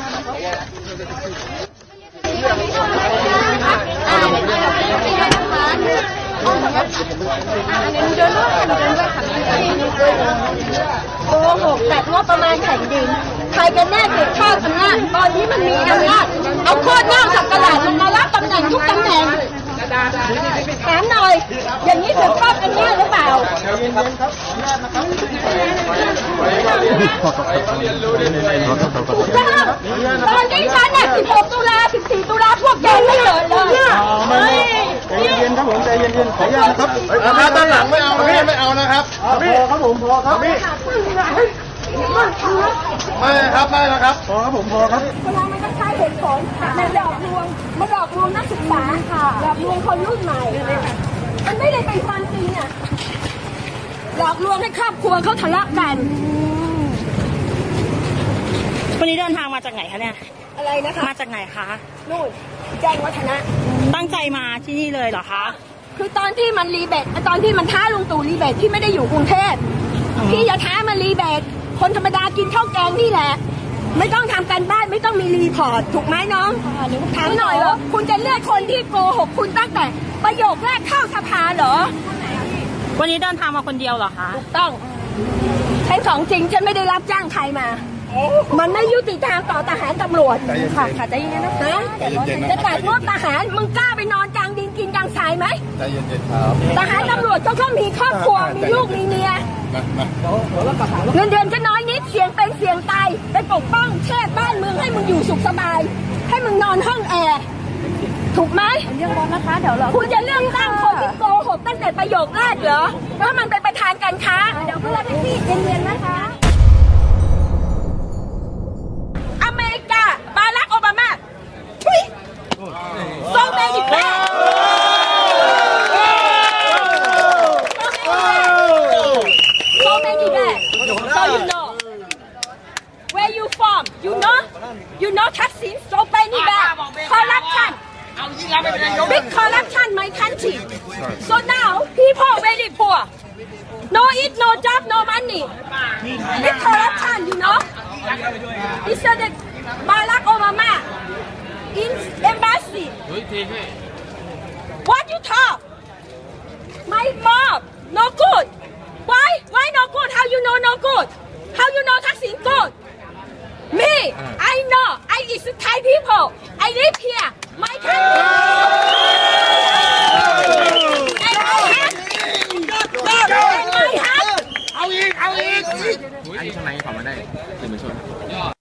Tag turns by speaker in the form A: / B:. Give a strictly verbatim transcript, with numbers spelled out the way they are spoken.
A: โกหกแต่งบประมาณแผ่นดินใครกันแน่เกิดข้าวอำนาจตอนนี้มันมีอำนาจเอาโคตรเน่าสักกระดาษลงมารับตำแหน่งทุกตำแหน่งถามหน่อยอย่างนี้ถูกต้องกันแน่หรือเปล่าถูกต้องตอนนี้ฉันเนี่ยสิบหกตุลาสิบสี่ตุลาพวกแกไม่เกิดเลย
B: ใจเย็นครับผมใจเย็นๆขออนุญาตนะครับถ้าด้านหลังไม่เอาพี่ไม่เอานะครับพอครับผมพอครับพี่ไม่ครับไม่แล้วครับพอครับผมพอครับ
A: เวลามันก็ใช้เหตุผลมันหลอกลวงมันหลอกลวงนักศึกษาหลอกลวงคนรุ่นใหม่มันไม่ได้เป็นความจริงอ่ะหลอกลวงให้ครอบครัวเขาทะเลาะกัน
C: วันนี้เดินทางมาจากไหนคะเนี่ย
A: อะไรนะคะ
C: มาจากไหนคะ
A: นู่นแจ้งวัฒนะ
C: ตั้งใจมาที่นี่เลยเหรอคะ
A: คือตอนที่มันรีเบทตอนที่มันท้าลุงตู่รีเบทที่ไม่ได้อยู่กรุงเทพพี่อย่าท้ามันรีเบทคนธรรมดากินข้าวแกงนี่แหละไม่ต้องทำการบ้านไม่ต้องมีรีพอร์ตถูกไหมน้องถามหน่อยว่าคุณจะเลือกคนที่โกหกคุณตั้งแต่ประโยคแรกเข้าสภาเหรอ
C: วันนี้เดินทางมาคนเดียวเหรอคะ
A: ถูกต้องใช้ของจริงฉันไม่ได้รับจ้างใครมามันไม่ยุติธรรมต่อทหารตำรวจค่ะค่ะใจเย็นนะจะตัดงบทหารมึงกล้าไปนอนกลางดินกินกลางทรายไหม
B: ใจเย็นๆครับ
A: ทหารตำรวจก็ต้องมีครอบครัวมีลูกมีเมียเงินเดือนก็น้อยนิดเสี่ยงเป็นเสี่ยงตายไปปกป้องแช่บ้านเมืองให้มึงอยู่สุขสบายให้มึงนอนห้องแอร์ถูกไหม
C: เรื่องบอลนะคะเดี๋ยวเรา
A: คุณจะเลือกตั้งคนที่โกหกตั้งแต่ประโยคแรกเหรอว่ามันเป็นประธานการค้าเดี๋ยวเพื่อนพี่เย็นๆนะคะอเมริกาบารักโอบามาโซเมดิแบกโซเมดิแบก so you know where you from you know you know ทักษิณ so many bad corruption big corruption my country so now people very poor no eat no job no money big corruption you know it's the Barack Obama in embassy what you talk my mom no good why why no good how you know no good how you know ทักษิณ good me I know I is Thai people I live here my country and my heart and my heart
B: เอาอีกเอาอีก
D: อันนี้ทำไมขอมาได้สื่อมวลชน